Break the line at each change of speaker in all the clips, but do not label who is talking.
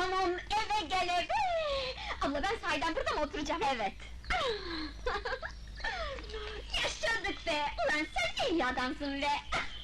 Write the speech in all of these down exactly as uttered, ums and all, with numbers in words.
Tamam, eve gel eve! Abla ben sahiden burada mı oturacağım? Evet! Yaşadık be! Ulan sen ne iyi adamsın be!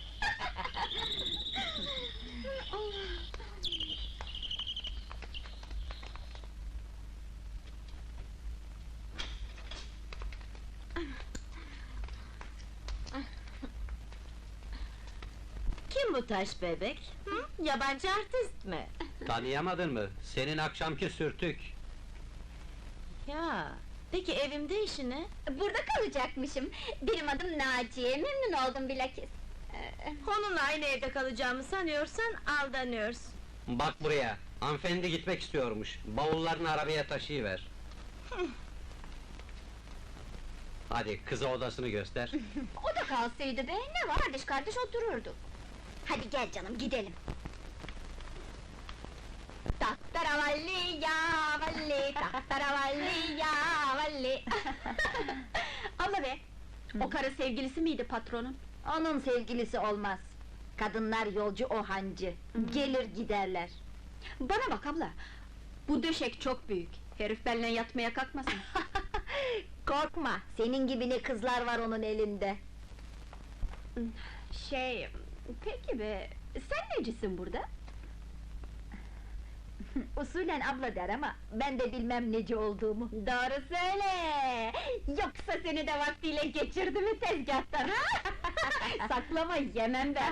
Kim bu taş bebek? Hı? Yabancı artist mi?
Tanıyamadın mı? Senin akşamki sürtük.
Ya, peki evimde işi ne?
Burada kalacakmışım! Benim adım Naciye, memnun oldum bilakis! Ee,
Onunla aynı evde kalacağımı sanıyorsan aldanıyorsun.
Bak buraya, hanımefendi gitmek istiyormuş. Bavullarını arabaya taşıyıver. Hadi, kıza odasını göster.
O da kalsaydı be, ne var, kardeş kardeş otururduk! Hadi gel canım, gidelim! Tahtaravalli ya valli, tahtaravalli ya valli! Abla be, o karı sevgilisi miydi patronun?
Onun sevgilisi olmaz. Kadınlar yolcu, o hancı. Gelir giderler.
Bana bak abla, bu döşek çok büyük, herif benimle yatmaya kalkmasın!
Korkma, senin gibi ne kızlar var onun elinde.
Şey, peki be, sen necisin burada?
Usulen abla der ama ben de bilmem neci olduğumu.
Doğru söyle! Yoksa seni de vaktiyle geçirdi mi tezgâhtan, ha? Saklama, yemem ben!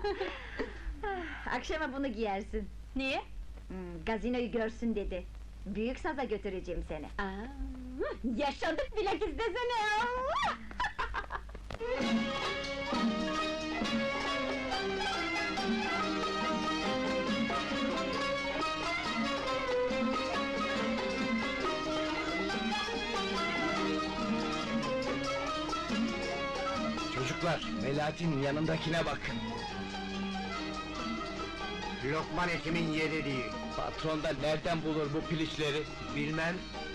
Akşama bunu giyersin.
Niye?
Hmm, gazinoyu görsün dedi. Büyük saza götüreceğim seni.
Aa, yaşadık bilakis desene! Allah!
Çocuklar, Melahat'in yanındakine bakın.
Lokman Hekim'in yeri değil.
Patron da nereden bulur bu piliçleri?
Bilmem.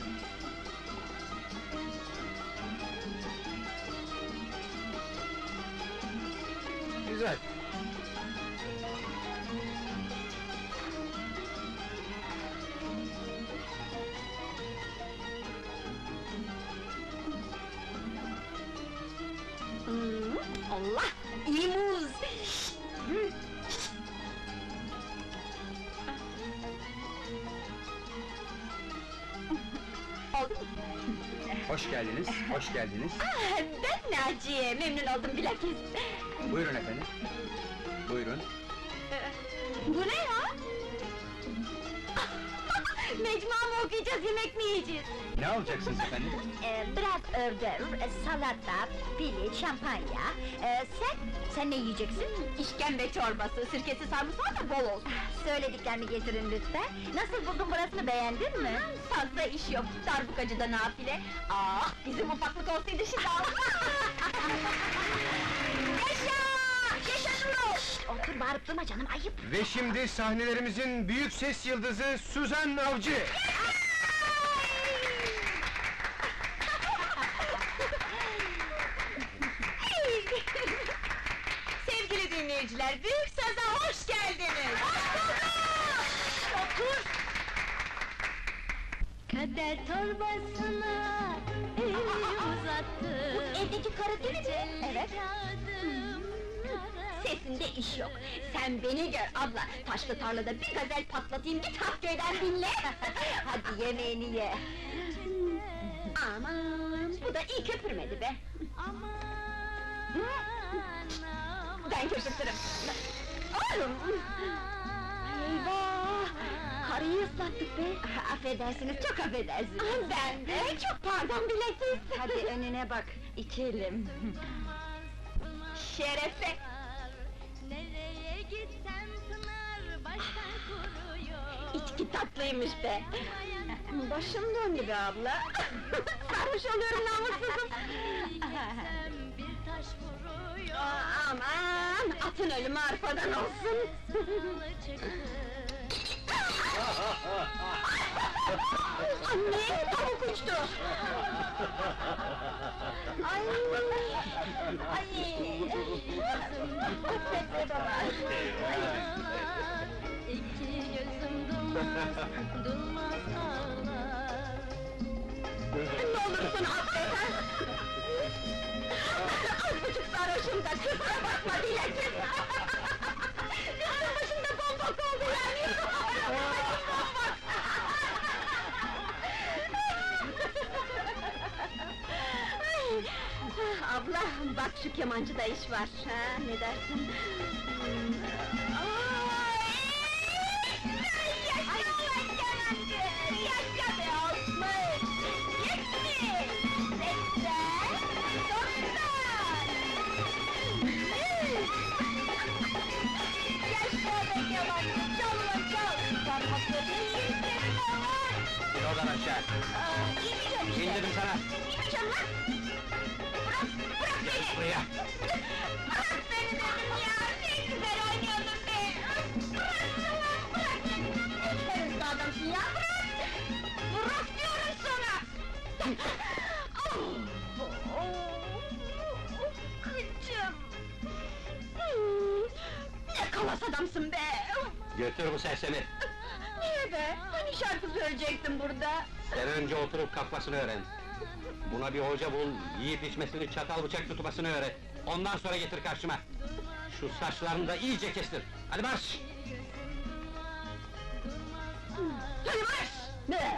Güzel.
Hmm, Allah! İyi muz! Hı. Oldu mu?
Hoş geldiniz, hoş geldiniz.
Ah, ben Naciye, memnun oldum bilakis!
Buyurun efendim. Buyurun.
Bu ne ya? Mecmua mı okuyacağız, yemek mi yiyeceğiz?
Ne alacaksınız efendim?
Ee, biraz ördür, e, salata, piliç, şampanya. Ee, sen, sen ne yiyeceksin?
İşkembe çorbası, sirkesi sarımsağı da bol olsun!
Söylediklerimi getirin lütfen. Nasıl buldun burasını, beğendin mi?
Fazla iş yok, darbukacıda nafile! Ah, bizim ufaklık olsaydı şimdi Allah! Yaşa! Yaşa Nurul!
Otur, bağırıp durma canım, ayıp!
Ve şimdi sahnelerimizin büyük ses yıldızı Suzan Avcı!
Sevgili dinleyiciler, Büyük Saz'a hoş geldiniz!
Otur!
Kader torbasına el uzattı.
Bu evdeki karı değil mi? Evet.
Kağıdım
Sesinde iş yok. Sen beni gör abla. Taşlı tarlada bir gazel patlatayım, git Hakköy'den dinle.
Hadi yemeğini ye!
Aman, bu da iyi köpürmedi be.
aman
Ben köpürtürüm. Oğlum! Eyvah! Karıyı ıslattık be.
Affedersiniz, çok affedersiniz.
Ben de, çok pardon bilakis.
Hadi önüne bak, içelim.
Şerefe!
nereye gitsem pınar baştan kuruyor.
İçki tatlıymış be. Başım döndü be abla. Sarhoş oluyorum namussuzum.
Gitsem bir taş vuruyor.
Aa, aman, atın ölümü arpadan olsun.
Salı çıktı.
Anne, tavuk uçtu! Ay! Ay! Affet be baba!
İki gözüm duman. durmaz ağlar.
Ne olursun affet ha! Az buçuk sarhoşum da kusura bakma Dilek'im! Üstüm başımda bombok oldu yani! Ay, abla, bak şu kemancıda iş var, ha, ne dersin? Ay, yaşa ulan kemancı! Yaşa be Osman! Yetmiş! Seksen! Doksan! Yaşa be kemancı! Çal ulan çal! Parmakla değil senin oğlan!
İn oradan aşağı!
Aa, İnmeyeceğim işte!
İn dedim sana!
İnmeyeceğim lan! Bırak! Bırak beni!
Buraya!
Bırak beni dedim ya! Ne güzel oynuyordun be! Bırak ulan bırak! Ne hırslı adamsın ya, bırak! Bırak diyorum sana! Oh, oh, kıçım! Hmm, ne kalas adamsın be!
Götür bu sersemi!
Niye be? Hani şarkı söyleyecektin burada?
Sen önce oturup kalkmasını öğren. Buna bir hoca bul, yiyip içmesini, çatal bıçak tutmasını öğret. Ondan sonra getir karşıma. Şu saçlarını da iyice kestir. Hadi marş!
Hadi marş! Ne?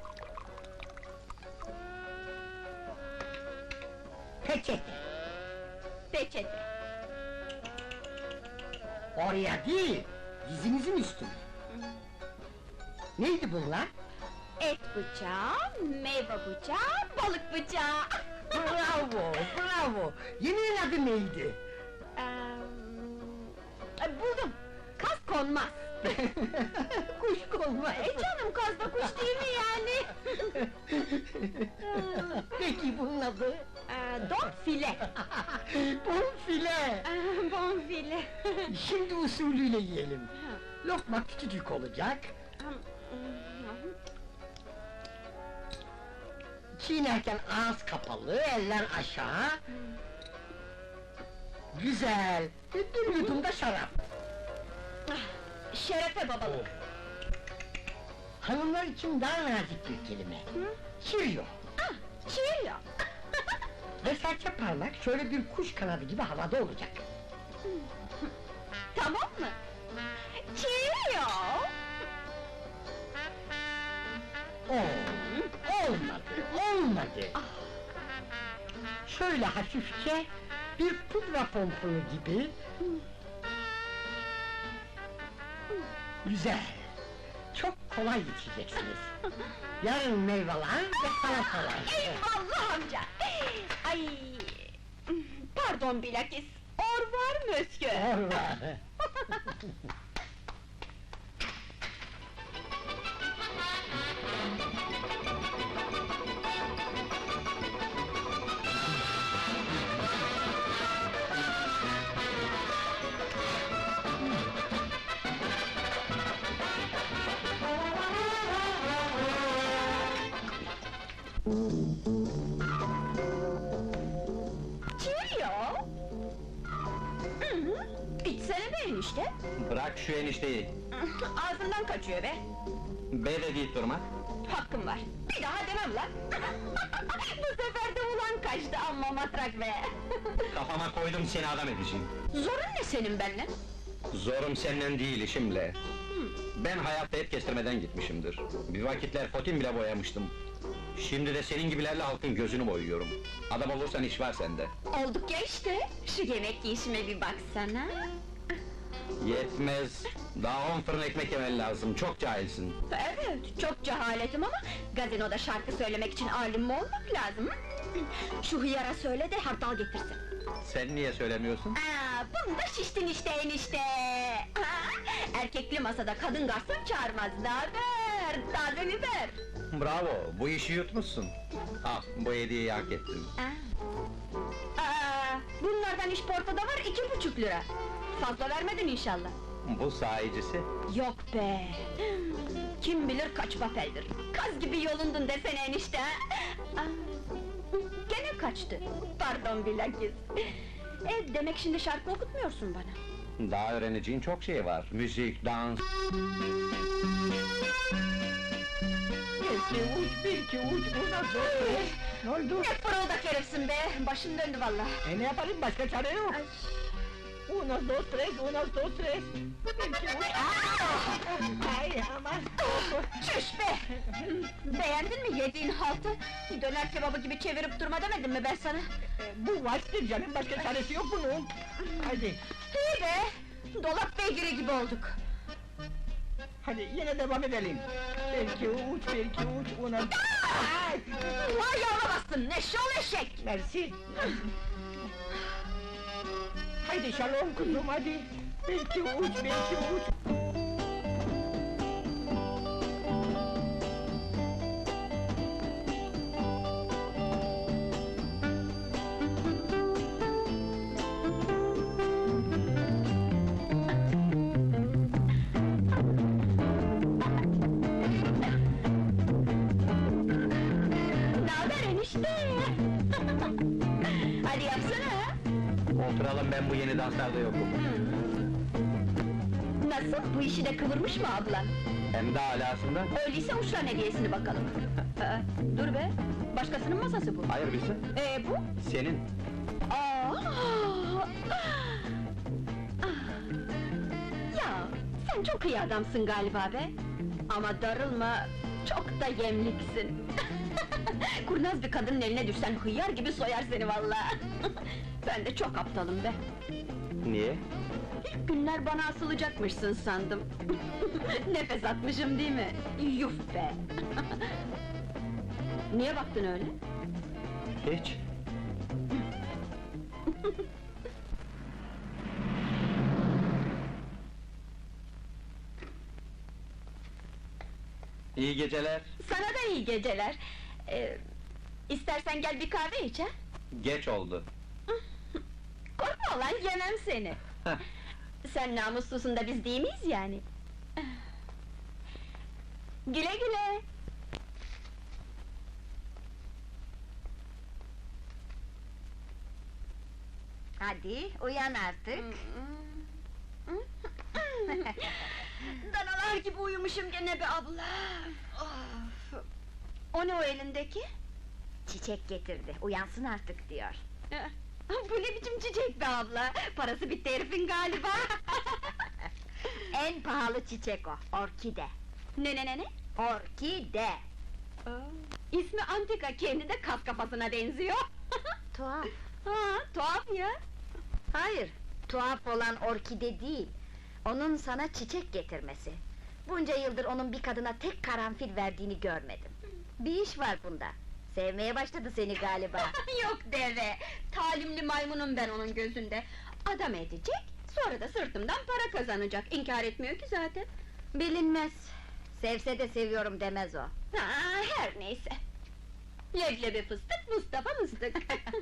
Peçete.
Peçete.
Oraya değil, dizinizin üstüne. Neydi bunlar?
Et bıçağı, meyve bıçağı, balık bıçağı.
Bravo, bravo! Yemeğin adı neydi?
Eee, buldum. Kaz konmaz.
Kuş konmaz.
E canım, kaz da kuş değil mi yani?
Peki bunun adı?
Eee, don file.
Bonfile!
Eee, bonfile.
Şimdi usulüyle yiyelim. Lokma küçücük olacak, çiğnerken ağız kapalı, eller aşağı. Güzel, bir yudum da şarap.
Şerefe babalık.
Hanımlar için daha nazik bir kelime. Çiriyor.
Ah, Cheerio.
Ve serçe parmak şöyle bir kuş kanadı gibi havada olacak.
Tamam mı? Cheerio.
Oo, olmadı, olmadı. Şöyle hafifçe, bir pudra pomponu gibi. Güzel, çok kolay içeceksiniz. Yarın meyveler ve salatalar.
Eyvallah amca! Ay! Pardon bilakis, or var mı Özgür?
Orada.
Cheerio! Hı hı, İçsene be enişte!
Bırak şu enişteyi!
Ağzından kaçıyor be!
Be de deyip durma!
Hakkım var, bir daha demem lan! Bu sefer de ulan kaçtı, amma matrak be!
Kafama koydum, seni adam edeceğim!
Zorun ne senin benimle?
Zorum senden değil, işimle! Ben hayatta et kestirmeden gitmişimdir. Bir vakitler fotin bile boyamıştım. Şimdi de senin gibilerle halkın gözünü boyuyorum. Adam olursan iş var sende.
Olduk ya işte, şu yemek yiyişime bir baksana!
Yetmez! Daha on fırın ekmek yemen lazım, çok cahilsin!
Evet, çok cehaletim ama gazinoda şarkı söylemek için alim mi olmak lazım? hı? Şu hıyara söyle de hardal getirsin.
Sen niye söylemiyorsun?
Aa, bunda şiştin işte enişte! Ha, erkekli masada kadın garson çağırmaz, naber? Taze biber!
Bravo, bu işi yutmuşsun! Al, bu hediyeyi hak ettin.
Aa, aa, bunlardan işportada var iki buçuk lira! Fazla vermedin inşallah!
Bu sahicisi.
Yok be! Kim bilir kaç pafeldir! Kaz gibi yolundun desene enişte! ha? Aa, gene kaçtı! Pardon bilakis! E, demek şimdi şarkı okutmuyorsun bana!
Daha öğreneceğin çok şey var. Müzik, dans...
iki uç, bir iki uç, uno, dos, tres. Ne oldu?
Ne fırıldak herifsin be! Başım döndü vallahi.
E ne yapalım, başka çare yok.
Ay,
Uno, dos, tres, uno, dos, tres. Bir iki uç. Aa! Ay aman.
çüş be! Beğendin mi yediğin haltı? Döner kebabı gibi çevirip durma demedim mi ben sana?
E, bu vaçtır canım, başka çaresi yok bunun. Hadi,
İyi be! Dolap beygiri gibi olduk.
hadi yine devam edelim. Bir iki uç, bir iki uç, uno. Ay!
Vay yavramazsın, eşşoğlu eşek!
Mersi. Haydi şalom kuzum, hadi. Bir iki uç, bir iki uç.
Naber enişte? Hadi yapsana!
Oturalım, ben bu yeni danslarda yokum.
Nasıl, bu işi de kıvırmış mı ablan?
Hem de alasında.
Öyleyse uçlan hediyesini bakalım. Aa, dur be, başkasının masası bu.
Hayır bizim,
Ee bu?
senin.
Aa! Ya, sen çok iyi adamsın galiba be. Ama darılma, çok da yemliksin. Kurnaz bir kadının eline düşsen hıyar gibi soyar seni vallahi. Ben de çok aptalım be.
Niye?
İlk günler bana asılacakmışsın sandım. Nefes atmışım değil mi? Yuf be! Niye baktın öyle?
Hiç. İyi geceler.
Sana da iyi geceler. Ee, istersen gel bir kahve iç ha?
Geç oldu.
Korkma lan, yemem seni! Sen namuslusun da biz değil miyiz yani? Güle güle!
Hadi, uyan artık.
Danalar gibi uyumuşum gene be abla! Of! O ne o elindeki?
Çiçek getirdi, uyansın artık diyor.
Bu ne biçim çiçek be abla? Parası bitti herifin galiba!
En pahalı çiçek o, orkide.
Ne ne ne ne?
Orkide!
İsmi antika, kendi de kas kafasına benziyor!
Tuhaf.
Ha, tuhaf ya!
Hayır, tuhaf olan orkide değil. Onun sana çiçek getirmesi. Bunca yıldır onun bir kadına tek karanfil verdiğini görmedim. Bir iş var bunda. Sevmeye başladı seni galiba.
Yok deve! Talimli maymunum ben onun gözünde! Adam edecek, sonra da sırtımdan para kazanacak, inkar etmiyor ki zaten!
Bilinmez. Sevse de seviyorum demez o.
Ha, her neyse! Leblebi fıstık, Mustafa mıstık!